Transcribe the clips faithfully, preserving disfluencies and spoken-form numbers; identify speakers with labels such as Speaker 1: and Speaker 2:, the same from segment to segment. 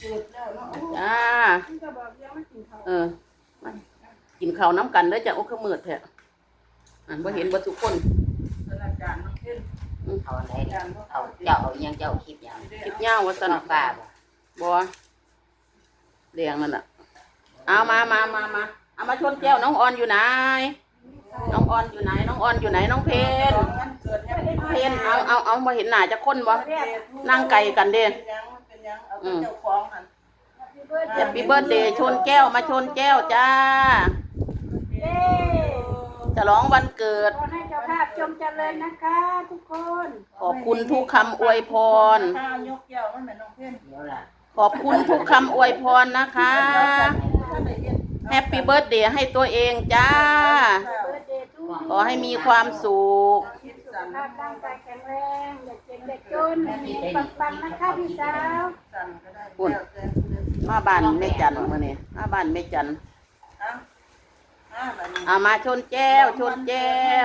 Speaker 1: จ้าเออมากินข้าวน้ำกันเด้อจ้ะโอ้ขมืดแท้อันบ่เห็นบ่ทุกคน
Speaker 2: เอาอะไรเอาเจ้าเอายังเจ้าคลิปยัง
Speaker 1: คลิปยาวว่าซั่น
Speaker 2: ป้าบ่
Speaker 1: บ่เลี้ยงนั่นน่ะเอามามามามาเอามาชนแก้วน้องออนอยู่ไหนน้องออนอยู่ไหนน้องออนอยู่ไหนน้องเพนเพนเอาเอาเอาบ่เห็นหน้าจักคนบ่นั่งไกลกันเด้อืมแฮปปี้เบิร์ธเดย์ชนแก้วมาชนแก้วจ้าจะร้องวันเกิด
Speaker 3: ขอให้เจ้าภาพจงเจริญนะคะทุกคน
Speaker 1: ขอบคุณทุกคำอวยพรขอบคุณทุกคำอวยพรนะคะแฮปปี้เบิร์ธเดย์ให้ตัวเองจ้าขอให้มีความสุข
Speaker 3: สุขภาพร่างกายแข็งแรงเด็กเก่งเด็กจนมีปังๆนะคะพี่สาว
Speaker 1: ปุ่นมาบ้านแม่จันมื้อนี้มาบ้านแม่จันเอามาชนแก้วชนแก้ว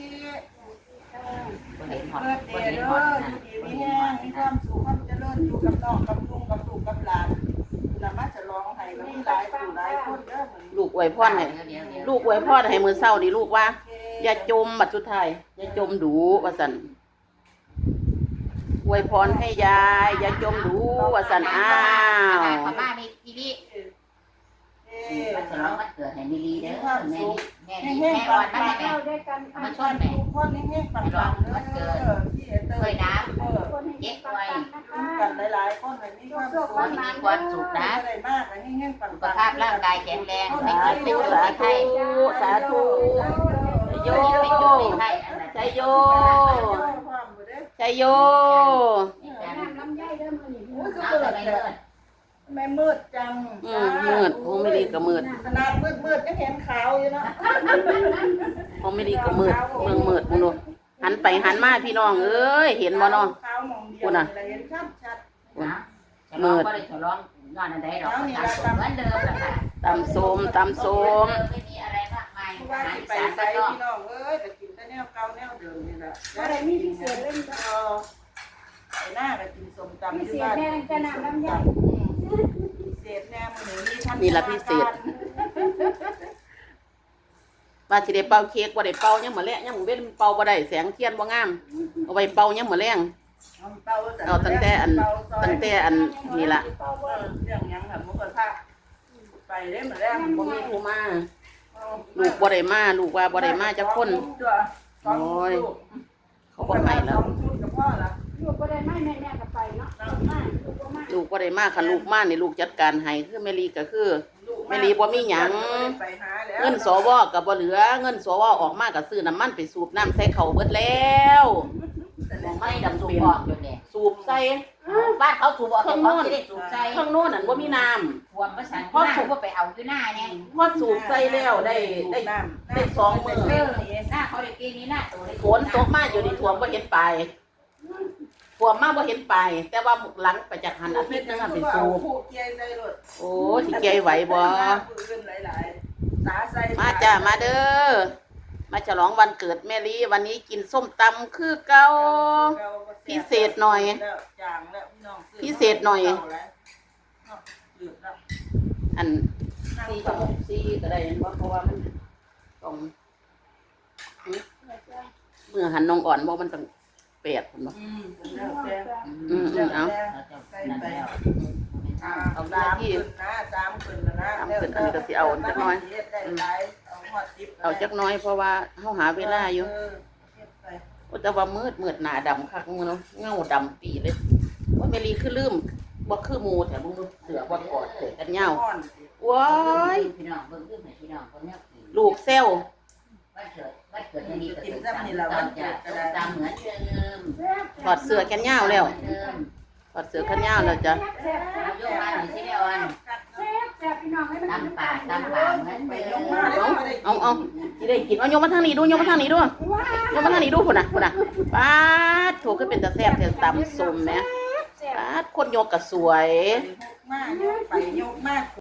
Speaker 2: บ่เห็นฮอด
Speaker 4: เบิดเด
Speaker 2: บ่
Speaker 4: ย์
Speaker 2: เห็น
Speaker 4: เด้
Speaker 2: ฮอ
Speaker 4: อ
Speaker 2: ด
Speaker 4: อยู่ดีมีแห้งมีความสุขความเจริญอยู่กับน้องกับลุงกับลูกกับหลานนำมาฉลองให้กับหลายผู้หลายคนเด้อมื้อนี้
Speaker 1: ลูกอวยพรให้ลูกอวยพรให้มื้อเช้านี่ลูกว่าอย่าจมบัดสุดท้ายอย่าจมดูว่าซั่นอวยพรให้ยายอย่าจมดูว่าซั่นอ้าว
Speaker 2: ขอมามีทีวีมันฉลองวันเกิดให้มิลีเด้อแม่แม่แม่อ่อนมาแม่
Speaker 3: เข้าด้วยกัน
Speaker 2: มาชนแม่
Speaker 4: ทุกคนแห้งๆปังๆเด้อที่เต
Speaker 2: เค
Speaker 4: ย
Speaker 2: ยน้
Speaker 3: คนให้ปังๆนะคะ
Speaker 4: กันหลายๆคนให้มีความสุข
Speaker 2: ำมีความสุขนะ
Speaker 4: ได้มากแห้งๆปังๆ
Speaker 2: สุขภาพร่างกายแข็งแรงไม่
Speaker 1: สา
Speaker 2: เจ็บ
Speaker 1: ธุ
Speaker 2: ไม่ป่วย
Speaker 1: สา
Speaker 2: ไม่
Speaker 1: ธุ
Speaker 2: ไข้
Speaker 1: สาธุโย
Speaker 2: ไม่จุดไม่ไข้อะไร
Speaker 1: ใจโยใจโย
Speaker 3: น้ำลำไยเด้อมื้อนี้
Speaker 2: เอาไปเลย
Speaker 4: แม่มืดจัง
Speaker 1: อืมมืดโอ้ไม่ดีก็มืด
Speaker 4: ขนาดมืดๆยังเห็นขาวอยู่เนาะ
Speaker 1: โอ้ไม่ดีก็มืดเมืองมืดมึงดูหันไปหันมาพี่น้องเอ้ยเห็นบ่เนาะ
Speaker 4: ขาวมองเดียวนี่เห็นชัด
Speaker 2: นะฉลองก็ได้ฉลองนอนอะไรหรอกตามสมเหมือนเดิมแหละค่ะ
Speaker 1: ตำส้มตำส้ม
Speaker 2: ไม่มีอะไรมากมาย
Speaker 4: ๆว่า
Speaker 2: อาหาร
Speaker 4: สิ
Speaker 2: อี
Speaker 4: ไป
Speaker 2: สาน
Speaker 4: ใส่
Speaker 2: ก็
Speaker 4: พี่น้องเอ้ยแต่กินแต่แนวเก่าแนวเดิมนี่แหละ
Speaker 3: บ่ได้มีพิเศษเล่นจ้ะ
Speaker 4: เออไปหน้าก็กินส้มตำ
Speaker 3: พิ
Speaker 4: อยู่
Speaker 3: เศษ
Speaker 4: บ้าน
Speaker 3: แม่จะน้ำลำไย
Speaker 4: พิเศษแน่มื้อนี้ท่าน
Speaker 1: นี่ละพิเศษว่าสิได้เป่าเค้กบ่ได้เป่ายังมื้อแลงยังมื้อเว้นเป่าบ่ได้แสงเทียนบ่งามเอาไว้เป่ายังมื้อแลงเอาตั้งแต่อันตั้งแต่อันนี่ล่ะ
Speaker 4: เรื่องหยังค่ะหมูกระทะไปเด้มื้อแรก
Speaker 1: บ่มีผู้มาลูกบ่ได้มาลูกว่าบ่ได้มาจักคน
Speaker 4: โอ้ย
Speaker 1: เขาบ่ให้แล้ว
Speaker 4: ชุดกับพ่อละ
Speaker 3: ลูกบ่ได้ไม่แม่แม่ก็ไปเนาะมาลูกบ่มา
Speaker 1: ลูกบ่ได้มาคันลูกมานี่ลูกจัดการให้คือแม่ลีก็คือแม่ลีบ่มีหยังเงินสวก็บ่เหลือเงินสวออกมาก็ซื้อน้ำมันไปสูบน้ำใส่เขาเบิดแล้ว
Speaker 2: ไม่ดำสูบบอกอยู่เนี่ย
Speaker 1: สูบใส่
Speaker 2: บ้านเขาสูบบอกแต่เขาไม่ได้สูบใจ
Speaker 1: ข้างโน้นนั่นบ่มีน้ำ
Speaker 2: ทวมประสานพ่อสูบก็ไปเอาอยู่หน้าเนี่ย
Speaker 1: พอสูบใส่แล้วได้ได้ได้สองมื้อ
Speaker 2: เออหน้าเขาเด็กกีนี้หน้าตัว
Speaker 1: ฝนตกมาอยู่นี่ท่วมบ่เห็นปลายท่วมมาบ่เห็นปลายแต่ว่าหมุกหลังไปจากหันอาทิตย์นึงอะไปสูบ
Speaker 4: ผู้เกียร์ใส่รถ
Speaker 1: โอ้สิเกยไหวบ่
Speaker 4: หลายๆสาใส่
Speaker 1: มาจ้ามาเด้อมาฉลองวันเกิดแม่ลีวันนี้กินส้มตำคือเก่าพิเศษหน่อย
Speaker 4: จางแล้วพี่น้อง
Speaker 1: พิเศษหน่อย อันสี่ชั่วโมงสี่ก็ได้เห็นบ่เพราะว่ามันต้องเมื่อหันน้องอ่อนบ่มันต้องแปดพุ่นบ่
Speaker 4: อืมแล้วแต่
Speaker 1: อืมอืมเอา
Speaker 4: ใส่ไป
Speaker 1: เอาหน้าที่
Speaker 4: นะสามขึ้นแล้วนะ
Speaker 1: สามขึ้นอันนี้ก็สิเอาจักหน่อย เอาจักหน้อยเพราะว่าเฮาหาเวลาอยู่โอ้แต่ว่ามืดมืดหน้าดำคักมึงเนาะเงาดำปีเลยว่าแม่ลีคือลืมบ่คือหมู่แถวมึงดูเสือบ่กอดเสือกันเหย้าว้าย
Speaker 2: พี่น้องเบิ่งขึ้นพี่น้องคนนี้
Speaker 1: ลูกเซล
Speaker 2: วันเกิดวันเกิดนี่ก็ติดตามนี่ละวันเกิดตามเหมือนเดิม
Speaker 1: ถอดเสื้อแขนยาวแล้ว
Speaker 2: เดิม
Speaker 1: ถอดเสื้อแขนยาวแล้วจ้ะ
Speaker 3: แซ่บแซ่บ
Speaker 2: โยกมาหน่อยสิแม่วัน
Speaker 3: แซ่บแซ่บพี่น้องให้มัน
Speaker 2: ตามป่าตามป่าเหมือนเดิม
Speaker 1: เอาเอาสิได้กินเอาโยมมาทางนี้ดูโยมมาทางนี้ดูโยมมาทางนี้ดูพุ่นน่ะพุ่นน่ะป๊าดโถขึ้นเป็นตาแซ่บแต่ตำส้มแหมป๊าดคนโยกก็สวย
Speaker 4: มากไปยกมาก